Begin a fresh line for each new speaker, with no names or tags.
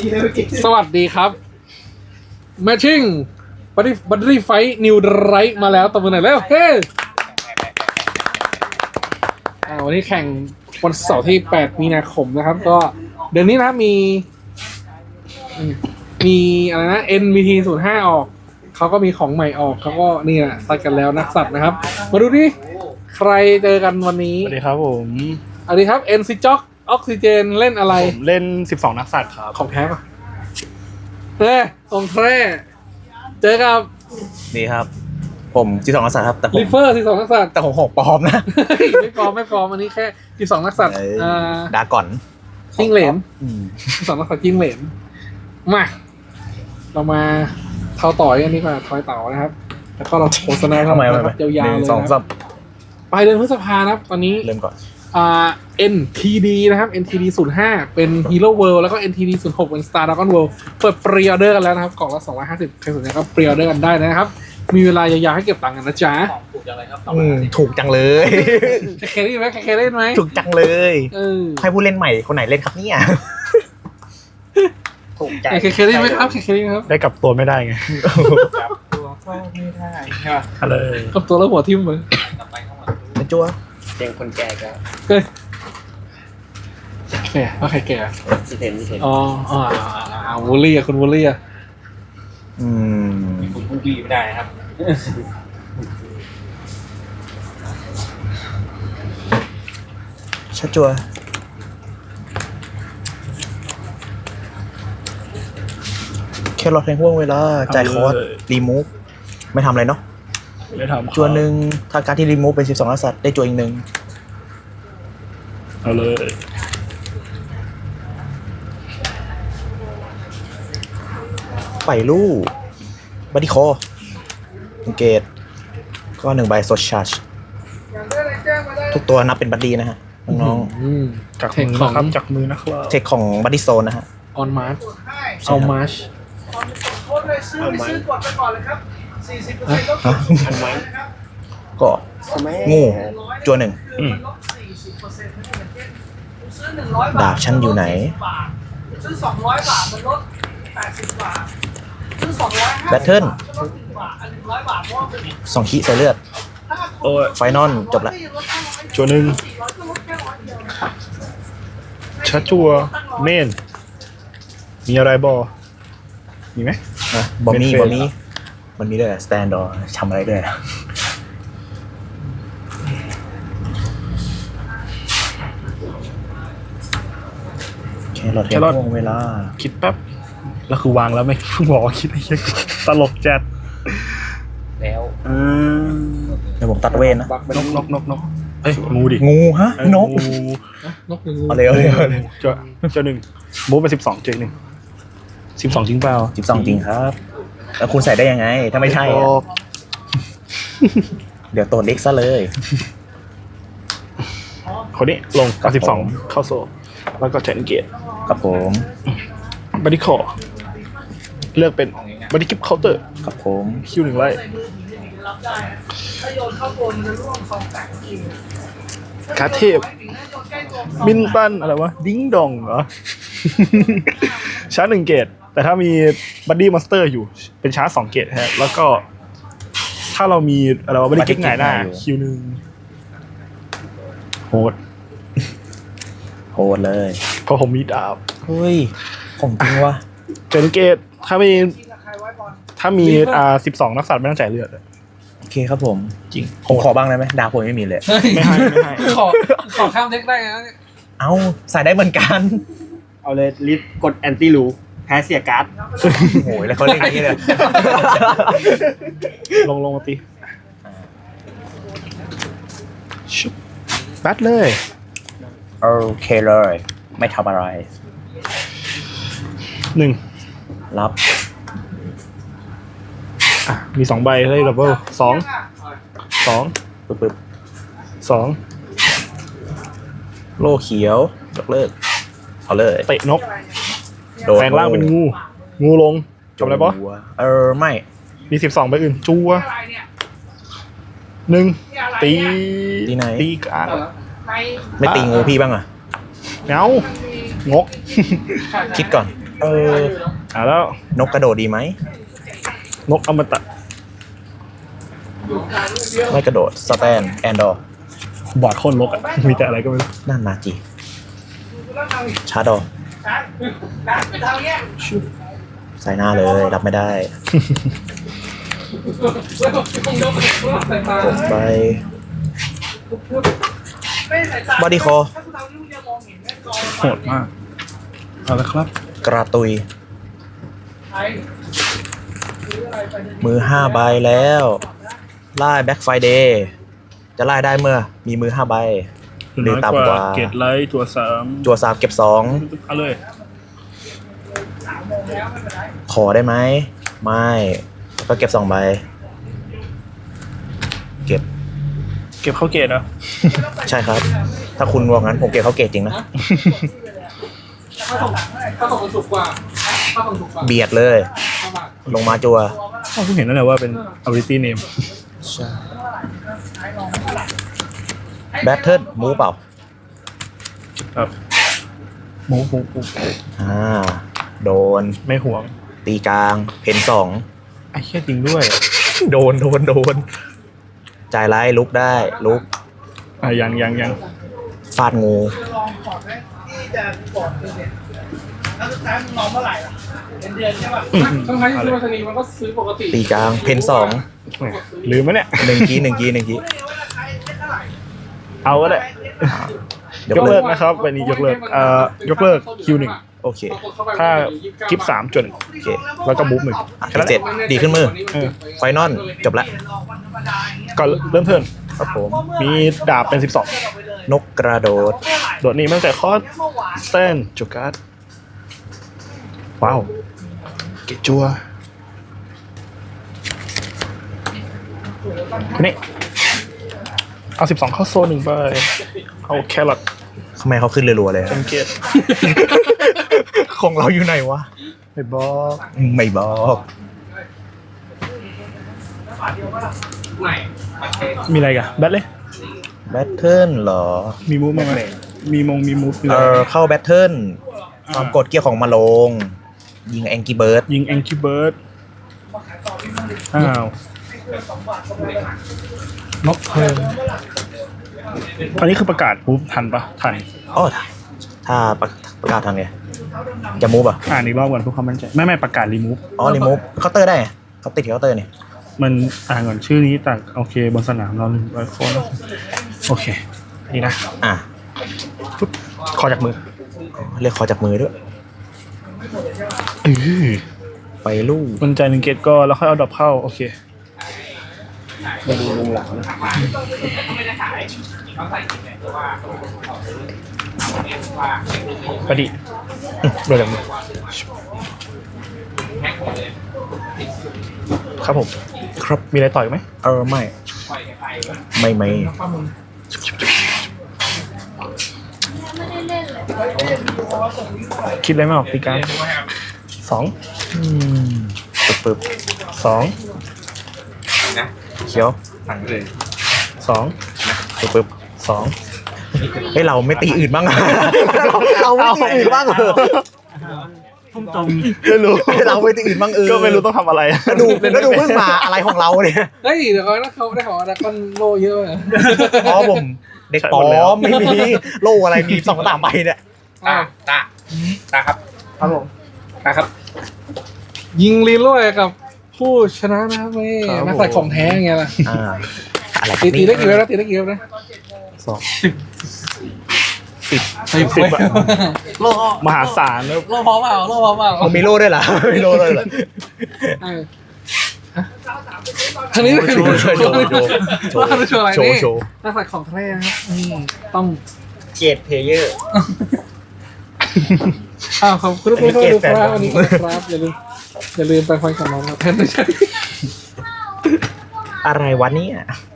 สวัสดีครับแมชชิ่งบัตตี้ไฟนิวไรท์มาแล้วตบมือหน่อยแล้วเฮ้วันนี้แข่งวันเสาร์ที่ 8 มีนาคมนะครับ ก็เดือนนี้นะมีอะไรนะ NVT 05 ออก เขาก็มีของใหม่ออกเขาก็นี่แหละซัดกันแล้วนักสัตว์นะครับ มาดูดิใครเจอกันวันนี้
สวัสดีครับผม
สวัสดีครับ NC Jock ออกซิเจนเล่นอะไร
ผมเล่น12นักสัตว์ครับ
ของแท้ปะของแท้เจอกับ
ดีครับ ผม12นักสัตว์ครับแต่ผม
ลิเฟอร์12นักสัตว์
แต่ผม6ปลอมนะ
ไม่ปลอมอันนี้แค่12นักสัตว์
ดาก่อน
จิ้งเหลน12นักสัตว์จิ้งเหลนมาเรามาเท้าต่อยกันดีกว่าทอยเต่านะครับแล้วก็เราโฆษณา
ทำไม
นะครับยาวๆเลย
สอง
นะค
สั
รับบ ปลายเดือนพฤษภานะครับตอนนี้
เริ่มก่อน
NTD นะครับ NTD 05 เป็น Hero World แล้วก็ NTD 06 เป็น Star Dragon World เปิดปรีออเดอร์กันแล้วนะครับกล่องละ250ใครสนใจก็ปรีออเดอร์กันได้นะครับมีเวลายาวๆให้เก็บตังค์กันนะจ๊ะ
ถูกจังเลย
เคเล่นไหมเคเล่นไหม
ถูกจังเลย ให้ผู้เล่นใหม่คนไหนเล่นครับเนี่ยถูกใจ
เคเล่นไหมครับเคเล่นไหมครับ
ได้กลับตัวไม่ได้ไง
จับตัวก็ไม่ได้
ฮัลโหล
กับตัวแล้วหัวทิ่มเลย
เป็นจัว
เสียงคนแก่ก็
เฮ้ยแก่ว่าใครแก่
พี่เทน
อ๋อวูลลี่อะคุณวูลลี่อะ
คุณพูดดีไม่ได้ครับ
ชัดจัวแค่รอแทงห่วงเวลาจ่ายคอร์สรีมูฟไม่ทำอะไรเนาะ
ไม่ทำ
จัวหนึ่งถ้าการที่รีมูฟเป็น12นักสัตว์ได้จัวอีกหนึ่ง
เอาเลย
ไปลู่บัดดี้คอเกตก็1 ใบโซชาร์จทุกตัวนับเป็นบัดดี้นะฮะน้อง
จาก
เทค
มือ
ของ
นะครับจากมือนะครับ
ๆเทคของบัดดี้โซนนะฮะ
ออนมาร์ชเอามาร์ช
เอาไหม
อันไว้ก็งูจัวหนึ่ง
อืม
ดาบฉันอยู่ไหน
ซื้อ200 บาทมันลด80 บาทซื้อ250
แบทเทิล
ลด1 บาท100 บาทเพราะว่าเป็น
2 ขีใส่เลือด
โอ้ย
ไฟนอลจบละ
จัวหนึ่ง
400ก็ลดแค่100 เดียว
ชัดจัวเมนมีอะไรบอมีไหม
นะบอมมี่
เป็นเฟส
บอมมี่มันมีด้วยสแตนดอร์ทำอะไรด้วยแค่รอเทมห่วงเวลา
คิดแป๊บแล้วคือวางแล้วไม่เพิ่งบอกว่าคิดไอ้เหี้ยตลกจัด
แล้ว
เดี๋ยวผมตัดเวนนะ
นกเอ้ยงูดิ
งูฮะ
เอ้ย
นก
งู
นกหนึ่งงู
เอาเลยเอาเลยเอาเลย
จัวหนึ่งมูฟไป12เจอหนึ่ง12จริงเปล่า
12จริงครับ แล้วคุณใส่ได้ยังไง ถ้าไม่ใช่อะเดี๋ยวโตนเล็กซะเลย
คนนี้ลงกับ12เข้าโซ่แล้วก็เจนเกต
ครับผม
บัดดี้คอเลือกเป็นบัดดี้กิฟเคาน์เตอร์
ครับผม
คิวหนึ่งไล่
ถ้าโยนเข้าโกนจะร่วง2 8กิโล
คาเทพมินตันอะไรวะดิ้งดองเหรอ ชาร์จ1 เกตแต่ถ้ามีบัดดี้มอนสเตอร์อยู่เป็นชาร์จ2 เกตฮะแล้วก็ถ้าเรามีอะไรวะบัดดี้กิฟหงายหน้าคิวหนึ่งโหด
โหดเลย
เพราะผมมีดาบ
เฮ้ย ของจริงวะ
เจนเกตถ้ามี12นักสัตว์ไม่ต้องจ่ายเลือด
โอเคครับผม
จริง
ผมขอบ้างได้ไหมดาวผมไม่มีเลย
เฮ้ย
ไม่ให้
ขอข้ามเด็กได้นะเนี่ย
เอาใส่ได้เหมือนกัน
เอาเลยลิฟต์กดแอนตี้รูแพ้เสียการ์ด
โอ้ยแล้วเขาเล่นอย่างนี้เลย
ลงมาตีชุบแบทเลย
โอเคเลย ไม่ทำอะไร
1
รับ
มี2 ใบเลยดับเบิล2
ปึ๊บปึ๊บ
2
โล่เขียวยกเลิก เอาเลย
เตะนก
โดน
แปลงร่างเป็นงูลงจบอะไรปะ
ไม่
มี12 ใบอื่นจัว
อะไรเนี่ย
1 ตี
ตีไหน
ตีกลาง
ใน
ไม่ตีงูพี่บ้างอ่ะ
เงางก
คิดก่อน
แล้ว
นกกระโดดดีไหม
นกอมตะ
ไม่กระโดดสแตนแอนดอร์
บอร์ดโคตรลกอ่ะ มีแต่อะไรก็ไม่รู้
นั่นนาจีชาร์ดอร์
ทางเนี้ย
ใส่หน้าเลยรับไม่ได้ผมไป
ไม่ใส่ตา
บอดี้คอ
ถ้าคุณทำนี่คุณจะมองเห็นแม่กอง
โหดมาก เอาละครับ
กระตุย
ไอ้ซื้ออะไรไปเนี่ย
มือ5ใบแล้วไล่แบ็คไฟเดย์จะไล่ได้เมื่อมีมือ5ใบหรือต่ำกว่า
เกตไลท์ตัวสาม
จัว3เก็บ
เอาเลย
2 ขอได้ไหมไม่แล้วก็เก็บ2ใบเก็บ
เก็บเข้าเกตเหรอ
ใช่ครับ ถ้าคุณบอกงั้นผมเก็บเขาเกตจริงนะ
ถ้าส่งมันถูกกว่าถ้าส่งถูกกว่า
เบียดเลย
เข้ามา
ลงมาจัว
อ้าวเพิ่งเห็นนั่นแหละว่าเป็น ability name
ใช่แบทเทิลมูเปล่า
ครับหมู
โดน
ไม่ห่วง
ตีกลางเพน2
ไอ้เหี้ยจริงด้วย
โดนจ่ายไล่ลุกได้ลุก
ยัง
ฟาดงู
ลองก่อนไหมที่จะก่อนเนี่ยแล้วสุดท้ายมึงลองเมื่อไหร่ล่ะเป็นเดือนใช่ป่ะ
ทั้งที่ซื้อมาชนีมันก็ซื้อปกติ
ตีกลางเพน
ลืมไหมเนี่ย
2 1 กี1 กี
ไม่รู้ว่าราคาเท่าไหร่
เอาก็ได้
ยก
ยก
เลิ
เลิ
ก
กนะครับวันนี้ยกเลิกยกเลิก Q1
โอเค
ถ้ากิฟ3จน
โอเค
แล้วก็บุ๊บ1
อ่ะเสร็จดีขึ้นมือ ไฟนอลจบละ
ก็เริ่มเทิร์น
ครับผม
มีดาบเป็น
นกกระโดด
12 โดดนี้ตั้งแต่คอร์สสแตนจูการ์ดว้าว เกจจัวคนนี้เอา12เข้าโซน1ไปเอาแครอท
ทำไมเขาขึ้นรัวๆเลย
เป็นเกต
ของเราอยู่ไหนวะ
ไม่บอก
ไม่บอก
ไหน
มีอะไรกันแบทเลย
แบทเทิลเหรอ
มีมูฟมั้ยมีมูฟ
เข้าแบทเทิลความกดเกียร์ของมาลง ยิงแองกี้เบิร์ด
ยิงแองกี้เบิร์ดอ้าว นกเพลิงอันนี้คือประกาศมูฟทันปะทัน
อ๋อถ้าประกาศทางไงจะมูฟอ่ะ
อ่านอีกรอบก่อนเพื่อความมั่นใจไม่ประกาศรีมูฟ
อ๋อรีมูฟเคาน์เตอร์ได้ไงเขาติดเคาน์เตอร์นี่
มันอ่านก่อนชื่อนี้ต่างโอเคบนสนามเรา1 0 0 โค้ดโอเค นี่นะ
อ่ะ
ปุ๊บขอจากมือ
เรียกขอจากมือด้วย ไปลูก
มันใจ1 เกตก็แล้วค่อยเอาดอกเข้า โอเคไปดิโดนจากมือครับผม ครับมีอะไรต่อยไหม
ไม่
คิดอะไรไม่ออกตีกลาง2
ปึ๊บ
2
เขียว
2
ปึ๊บ
2
เฮ้ยเราไม่ตีอื่นบ้างอะเราไม่ตีอื่นบ้างเหรอ
พุ่งตรง
ไม่รู้
เราไม่ตีอื่นบ้าง
ก็ไม่รู้ต้องทำอะไร
แล้วดูเพิ่งมาอะไรของเราเนี่ย
เฮ้ยเดี๋ยวเขาได้ของอะไรก้อนโลเยอะเลย
อ๋อผมเด็กปลอมไม่มีโล่อะไรมี2-3ใบเนี่ย
ตาครับผมตาครับ ยิงลีโร่กับผู้ชนะนะครับเว้ยนักสัตว์ของแท้ไงล่ะ
อะไร
ตีได้กี่เว็บนะตีได้กี่เว็บนะ
10อะ
โล
มหาศาลแล้ว
โลพอเปล่าโลพอเปล่า
มันมีโล่ด้วยเหรอมีโล่ด้วยเหรอ
ทางนี้
โชว์
โชว์อะไร
โชว์
นี่
โชว์
นักสัตว์ของแท้นะครับต้อง
เกตเพลเยอร์
ขอบคุณทุกคนที่ดูครับวันนี้ครับอย่าลืมไปฟังกับน้องนะแทนไม่ใช่
อะไรวะเนี่ย